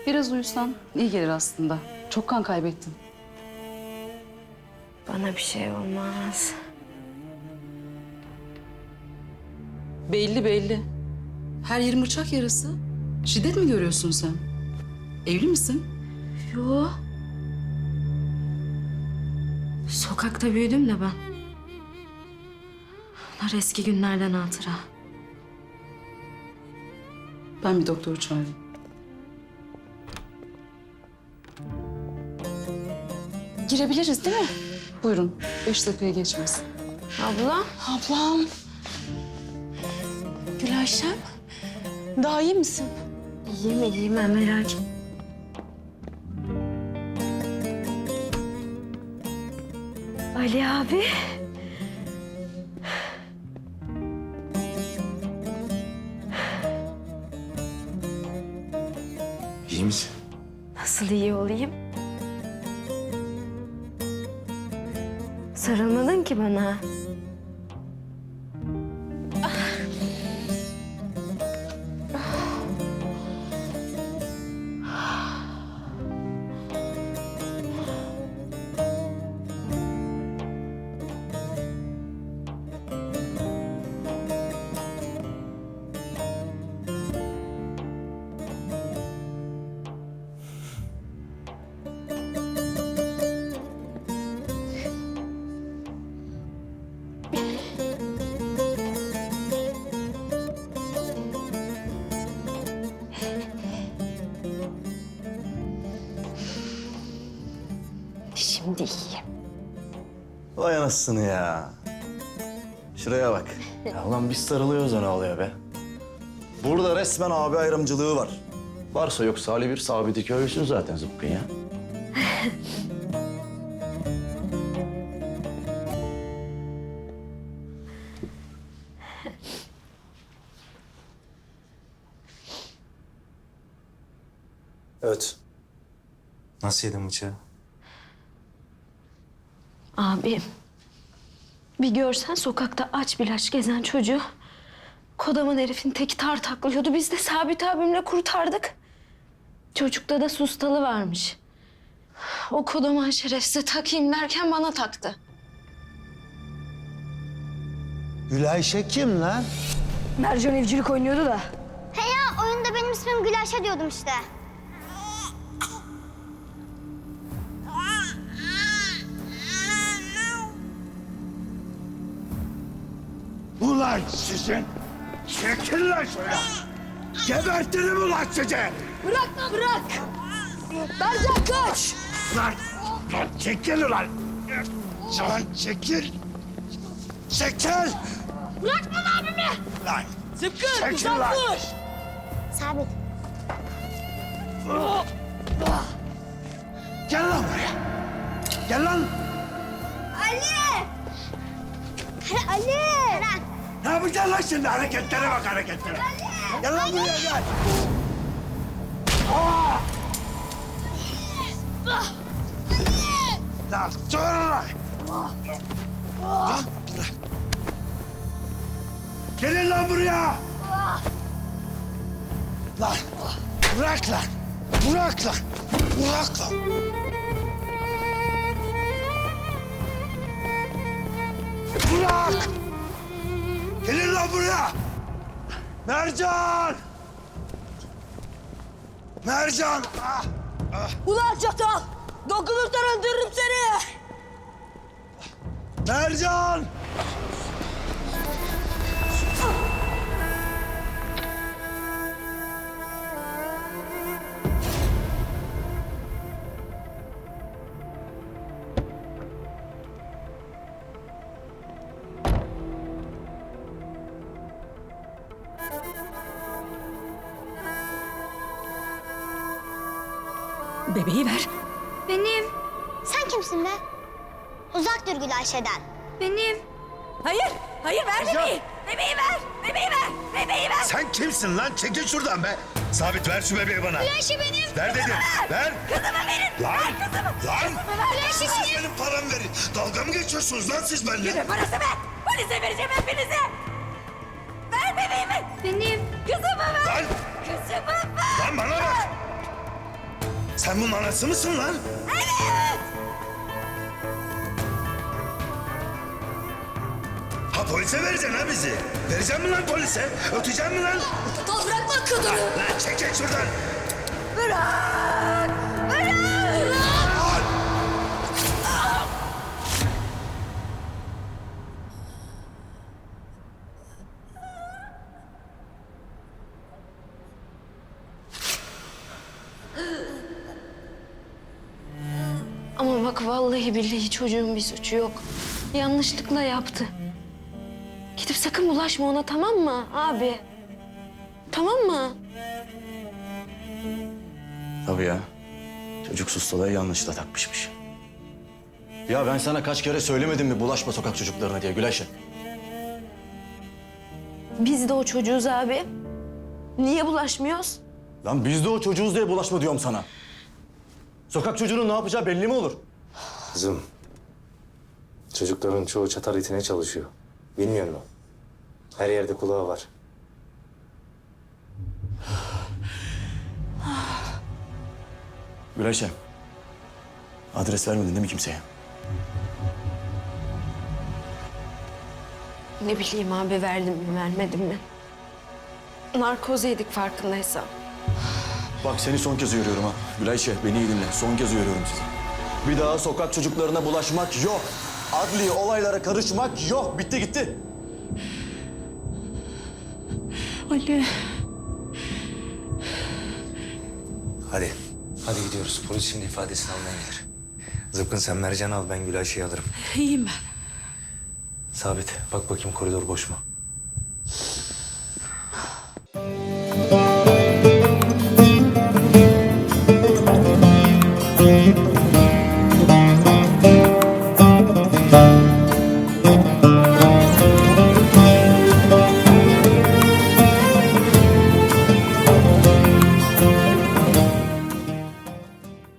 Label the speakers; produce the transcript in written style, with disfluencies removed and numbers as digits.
Speaker 1: Biraz uyusan iyi gelir aslında. Çok kan kaybettin.
Speaker 2: Bana bir şey olmaz.
Speaker 1: Belli belli. Her yerin bıçak yarası. Şiddet mi görüyorsun sen? Evli misin?
Speaker 2: Yo. Sokakta büyüdüm de ben. Bunlar eski günlerden hatıra.
Speaker 1: Ben bir doktoru çağırayım. Girebiliriz değil mi? Buyurun. 5 dakikaya geçmez.
Speaker 2: Abla.
Speaker 3: Ablam. Gülayşem. Daha iyi misin?
Speaker 2: İyiyim ben merak etme. Ali abi.
Speaker 4: İyi misin?
Speaker 2: Nasıl iyi olayım? Sarılmadın ki bana. Şimdi iyiyim.
Speaker 4: Vay anasını ya. Şuraya bak. Ya ulan biz sarılıyoruz da ne oluyor be? Burada resmen abi ayrımcılığı var. Varsa yoksa Ali bir sabiti köylüsün zaten zıpkın ya.
Speaker 5: Evet. Nasıl yedin bıçağı?
Speaker 2: Abim. Bir görsen sokakta aç bilaç gezen çocuğu. Kodaman herifin teki tar taklıyordu. Biz de Sabit abimle kurtardık. Çocukta da sustalı varmış. O kodaman şerefsize takayım derken bana taktı.
Speaker 6: Gülayşe kim lan?
Speaker 2: Mercan evcilik oynuyordu da.
Speaker 7: He ya, oyunda benim ismim Gülayşe diyordum işte.
Speaker 6: Ulan sizin! Çekil lan şuraya! Gebertirim ulan sizi!
Speaker 2: Bırak lan bırak! Mercan kaç!
Speaker 6: Lan! Lan çekil ulan! Lan çekil! Çekil!
Speaker 7: Bırakma lan abimi!
Speaker 6: Lan! Zıpkın! Çekil lan!
Speaker 7: Sabit.
Speaker 6: Gel lan buraya! Gel lan!
Speaker 7: Ali! Ali! Kerem.
Speaker 6: Ne yapacaksın lan şimdi? Hareketlere bak hareketlere! Gel lan buraya gel! Lan dur lan! Lan bırak! Gelin lan buraya! Lan bırak lan! Bırak lan! Bırak lan! Bırak! Gelin lan buraya! Mercan! Mercan! Ah!
Speaker 3: Ulan çatal! Dokunursan öldürürüm seni!
Speaker 6: Mercan!
Speaker 3: Bebeği ver.
Speaker 7: Benim. Sen kimsin be? Uzak dur Gülayşe'den. Benim.
Speaker 3: Hayır ver bebeği. Bebeği ver. Bebeği ver. Bebeği ver.
Speaker 6: Sen kimsin lan? Çekil şuradan be! Sabit ver şu bebeği bana.
Speaker 7: Gülayşe benim.
Speaker 6: Ver dedim. Ver.
Speaker 3: Kızımı verin.
Speaker 6: Lan!
Speaker 3: Ver kızımı.
Speaker 6: Lan!
Speaker 7: Gülayşe
Speaker 6: Siz
Speaker 7: benim.
Speaker 6: benim paramı verin. Dalga mı geçiyorsunuz lan siz benimle?
Speaker 3: Yürü parası ver. Polise vereceğim hepinize. Ver bebeğimi.
Speaker 7: Benim.
Speaker 3: Kızımı ver.
Speaker 6: Lan!
Speaker 3: Kızımı ver.
Speaker 6: Lan bana bak! Sen bunun anası mısın lan? Ha polise vereceksin ha bizi. Vereceksin mi lan polise? Öteceksin mi lan?
Speaker 3: Tol bırakma kadını.
Speaker 6: Lan çek şuradan.
Speaker 3: Bırak. Bırak.
Speaker 2: Ama bak vallahi billahi çocuğun bir suçu yok. Yanlışlıkla yaptı. Gidip sakın bulaşma ona, tamam mı abi? Tamam mı?
Speaker 4: Tabii ya. Çocuk sustalığı yanlışla takmışmış. Ya ben sana kaç kere söylemedim mi bulaşma sokak çocuklarına diye Gülayşe?
Speaker 2: Biz de o çocuğuz abi. Niye bulaşmıyoruz?
Speaker 4: Lan biz de o çocuğuz diye bulaşma diyorum sana. Sokak çocuğunun ne yapacağı belli mi olur?
Speaker 5: Kızım, çocukların çoğu çatar itine çalışıyor. Bilmiyor musun? Her yerde kulağı var.
Speaker 4: Gülayşe, adres vermedin değil mi kimseye?
Speaker 2: Ne bileyim abi, verdim mi vermedim mi? Narkoz yedik farkındaysan.
Speaker 4: Bak seni son kez uyarıyorum ha. Gülayşe beni iyi dinle. Son kez uyarıyorum sizi. Bir daha sokak çocuklarına bulaşmak yok. Adli olaylara karışmak yok. Bitti gitti.
Speaker 1: Ali.
Speaker 5: Hadi. Hadi gidiyoruz. Polis şimdi ifadesini almaya gelir. Zıpkın sen Mercan'ı al, ben Gülayşe'yi alırım.
Speaker 1: İyiyim ben.
Speaker 5: Sabit, bak bakayım koridor boş mu?